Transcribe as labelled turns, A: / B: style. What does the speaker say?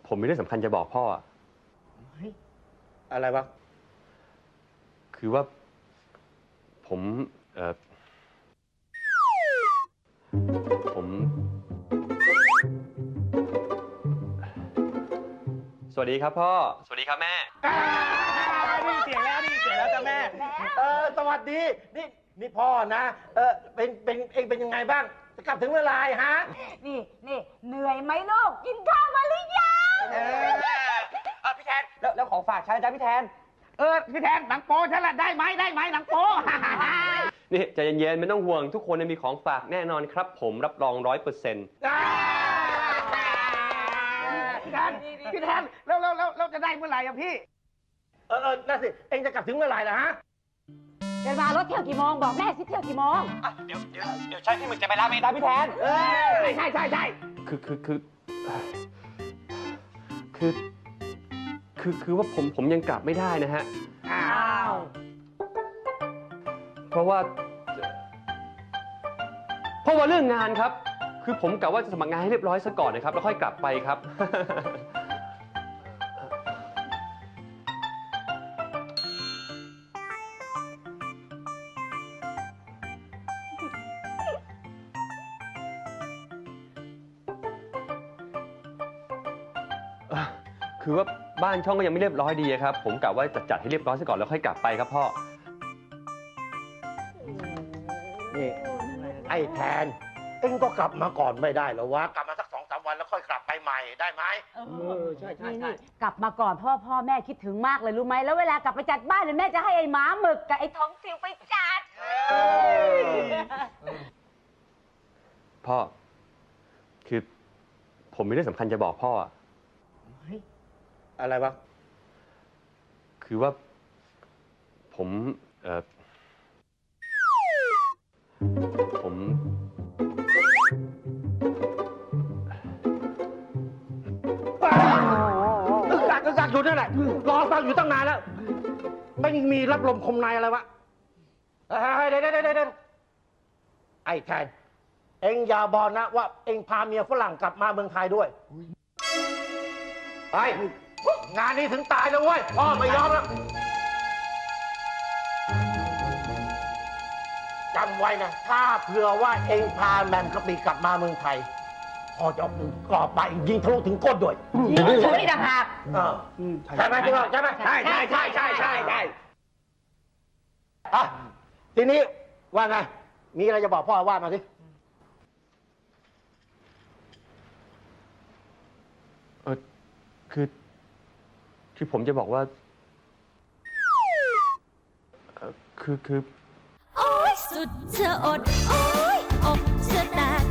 A: ผมมีเรื่องสำคัญจะบอกพ่อ
B: อะไรวะ
A: คือว่าผมสวัสดีครับพ่อสวัสดีครับแม่
B: นี่เสียงแล้วจ้ะแม่สวัสดีนี่พ่อนะเป็นยังไงบ้างจะกลับถึงเวลาฮะ
C: นี่เหนื่อยไหมลูกกินข้าวมาหรือยัง
B: พี่แทนแล้วของฝากฉันจ้ะพี่แทนพี่แทนหนังโป๊ฉันละได้ไหมหนังโป๊
A: นี่ใจเย็นๆไม่ต้องห่วงทุกคนมีของฝากแน่นอนครับผมรับรอง100%
B: พี่แทนแล้วจะได้เมื่อไหร่อะพี่นั่นสิเองจะกลับถึงเมื่อไหร่ล่ะฮะ
C: เดินมารถเที่ยวกี่โมงบอกแม่สิเที่ยวกี่โมง
B: เดี๋ยวใช่พี่หมึกจะไปรับเองนะพี่แทนใช่
A: คือว่าผมยังกลับไม่ได้นะฮะ
C: อ้าว
A: เพราะว่าเรื่องงานครับคือผมกะว่าจะสมัครงานให้เรียบร้อยซะก่อนนะครับแล้วค่อยกลับไปครับ คือว่าบ้านช่องก็ยังไม่เรียบร้อยดีครับผมกะว่าจะจัดให้เรียบร้อยซะก่อนแล้วค่อยกลับไปครับพ่อ
B: นี่ไอ้แทนเอ็งก็กลับมาก่อนไม่ได้หรอวะกลับมาสัก2-3 วันแล้วค่อยกลับไปใหม่ได้ไหมใช่
C: กลับมาก่อนพ่อแม่คิดถึงมากเลยรู้ไหมแล้วเวลากลับไปจัดบ้านเนี่ยแม่จะให้ไอ้หมาหมึกกับไอ้ท้องซิวไปจัด
A: พ่อคือผมมีเรื่องสำคัญจะบอกพ่อ
B: อะไรวะ
A: คือว่าผม
B: อึกอักอยู่นั่นแหละรอฟังอยู่ตั้งนานแล้วไม่มีรับลมคมในอะไรวะเดี๋ยวไอ้แทนเอ็งอย่าบอกนะว่าเอ็งพาเมียฝรั่งกลับมาเมืองไทยด้วยไปงานนี้ถึงตายแล้วเว้ยพ่อไม่ยอมแล้วจำไว้นะถ้าเผื่อว่าเอ็งพาแมมกะปิกลับมาเมืองไทยพ่อจะเอาปืนกรอบไปยิงทะลุถึงก้นด้วย
C: ยิงฉันนี่ต่างหาก
B: ใช่ไหมใช่ไหมใช่ทีนี้ว่าไงมีอะไรจะบอกพ่อว่ามาสิ
A: คือผมจะบอกว่าคือ
D: โอ๊ยสุดจะอดโอ๊ยอกจะแตก